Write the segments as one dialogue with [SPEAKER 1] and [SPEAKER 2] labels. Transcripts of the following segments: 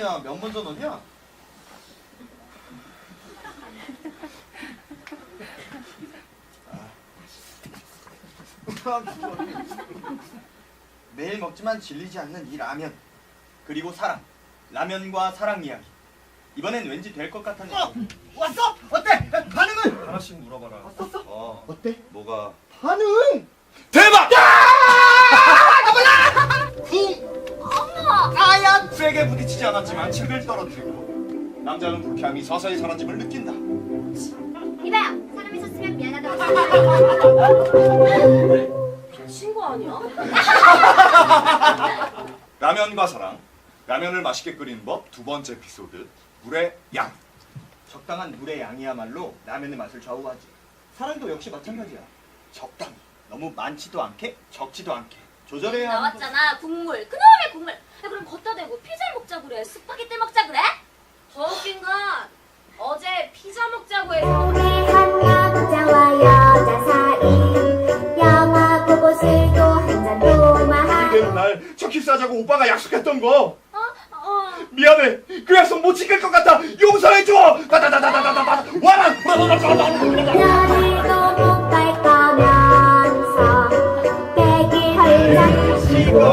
[SPEAKER 1] 전원이야? 몇 번 전원이야? 매일 먹지만 질리지 않는 이 라면, 그리고 사랑, 라면과 사랑 이야기. 이번엔 왠지 될 것 같았네.
[SPEAKER 2] 왔어? 어때? 반응은?
[SPEAKER 1] 하나씩 물어봐라.
[SPEAKER 2] 왔었어? 어때?
[SPEAKER 1] 뭐가?
[SPEAKER 2] 반응!
[SPEAKER 1] 대박!
[SPEAKER 3] 어머!
[SPEAKER 1] 아야! 세게 부딪히지 않았지만 책을 떨어뜨리고 남자는 불쾌함이 서서히 사라짐을 느낀다.
[SPEAKER 3] 이봐요! 사람이 섰으면 미안하다고 친구 아니야?
[SPEAKER 1] 라면과 사랑, 라면을 맛있게 끓이는 법 두 번째 에피소드, 물의 양. 적당한 물의 양이야말로 라면의 맛을 좌우하지. 사랑도 역시 마찬가지야. 적당히, 너무 많지도 않게 적지도 않게 조절해야 하는
[SPEAKER 3] 나왔잖아 국물 그놈의 국물. 야, 그럼 걷다 대고 피자를 먹자 그래? 스파게티 먹자 그래? 더 웃긴 건 어제 피자 먹자고 해서
[SPEAKER 4] 우리 한 남자와 여자 사이 영화 보고 술도 한잔 마하
[SPEAKER 1] 이대로 날 척키 싸자고 오빠가 약속했던 거
[SPEAKER 3] 어.
[SPEAKER 1] 미안해. 그 약속 못 지킬 것 같아. 용서해줘. 다다다다다다다. 와라.
[SPEAKER 4] 너희도 못 갈 거면서 빼기 헐랑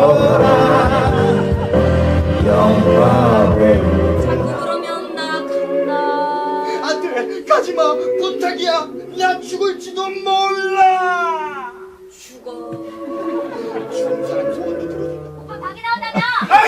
[SPEAKER 3] 자꾸 그러면 나 간다.
[SPEAKER 2] 안돼 가지마 부탁이야. 야 죽을지도 몰라.
[SPEAKER 3] 죽어.
[SPEAKER 2] 죽은 사람 소원도 들어준다.
[SPEAKER 3] 오빠 방에 나온다며?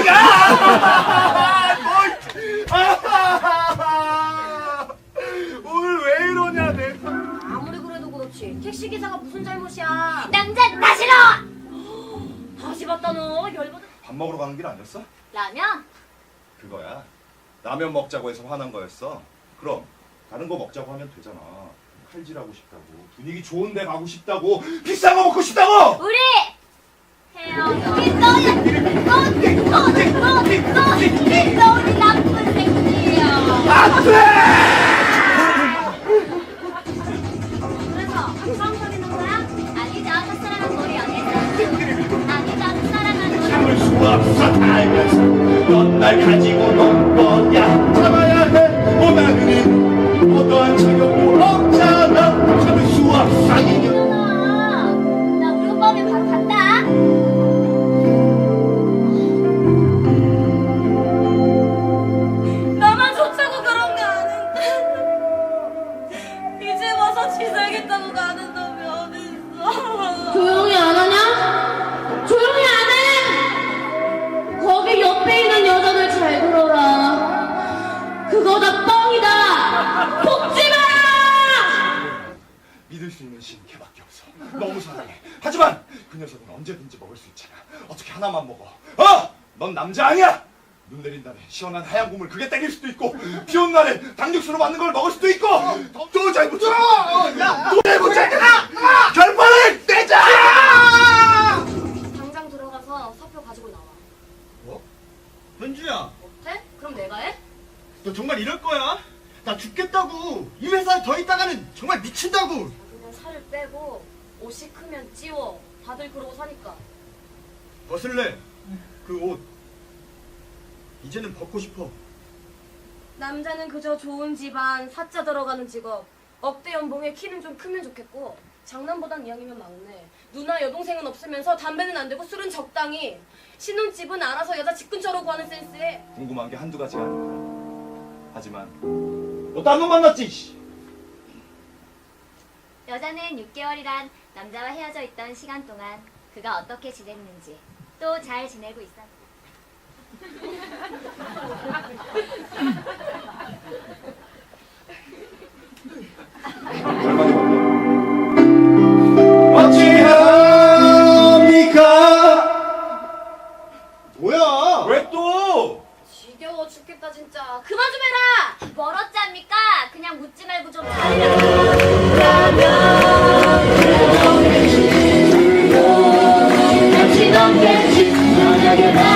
[SPEAKER 1] 오늘 왜 이러냐 내가.
[SPEAKER 3] 아무리 그래도 그렇지 택시기사가 무슨 잘못이야. 남자 나 싫어. 다시 봤다 너 열받아.
[SPEAKER 1] 밥 먹으러 가는 길 아니었어?
[SPEAKER 3] 라면?
[SPEAKER 1] 그거야. 라면 먹자고 해서 화난 거였어. 그럼 다른 거 먹자고 하면 되잖아. 칼질하고 싶다고, 분위기 좋은 데 가고 싶다고, 비싼 거 먹고 싶다고.
[SPEAKER 3] 우리 헤어져. 너는 나쁜 새끼야.
[SPEAKER 1] 안 돼!
[SPEAKER 3] 그래서 처음 사귀는 거야? 아니죠. 첫사랑은 우리 연애죠. 아니죠. 첫사랑은 우리.
[SPEAKER 1] 참을 수 없어 알면서 넌 날 가지고 논 거야. 참아야 해. 원하는 어떠한 자격도 없잖아. 참을 수 없어.
[SPEAKER 3] 일어나. 나 우리 오빠 오면 바로 간다. 나만 좋다고 그런 게 아닌데. 이제 와서 지살겠다고 가는 놈이 어딨어.
[SPEAKER 5] 조용히 안 하냐? 조용히 안 해! 거기 옆에 있는 여자들 잘 들어라. 그거 다 뻥이다. 속지 마라!
[SPEAKER 1] 믿을 수 있는 신은 걔밖에 없어. 너무 사랑해. 하지만 그 녀석은 언제든지 먹을 수 있잖아. 어떻게 하나만 먹어? 넌 남자 아니야. 눈 내린 날에 시원한 하얀 국물 그게 땡길 수도 있고, 비 온 날에 닭육수로 만든 걸 먹을 수도 있고. 또 잘 붙여. 또 붙여. 결판을 내자.
[SPEAKER 3] 당장 들어가서 사표 가지고 나와.
[SPEAKER 2] 뭐? 현주야
[SPEAKER 3] 어때? 그럼 내가 해?
[SPEAKER 2] 너 정말 이럴 거야? 나 죽겠다고. 이 회사에 더 있다가는 정말 미친다고.
[SPEAKER 3] 그냥 살을 빼고 옷이 크면 찌워. 다들 그러고 사니까.
[SPEAKER 2] 벗을래 그 옷. 이제는 벗고 싶어.
[SPEAKER 3] 남자는 그저 좋은 집안, 사자 들어가는 직업, 억대 연봉에 키는 좀 크면 좋겠고, 장남보단 이왕이면 막내, 누나 여동생은 없으면서 담배는 안 되고 술은 적당히, 신혼집은 알아서 여자 집 근처로 구하는 센스에.
[SPEAKER 1] 궁금한 게 한두 가지가 아니야. 하지만 너 딴 놈 만났지.
[SPEAKER 3] 여자는 6개월이란 남자와 헤어져 있던 시간 동안 그가 어떻게 지냈는지, 또 잘 지내고 있었는지.
[SPEAKER 1] 얼마나 어찌합니까?
[SPEAKER 2] 뭐야?
[SPEAKER 1] 왜 또?
[SPEAKER 3] 지겨워 죽겠다 진짜. 그만 좀 해라. 멀었지 않습니까? 그냥 묻지 말고 좀 잘해라.
[SPEAKER 4] 같이 넘겠지 너에게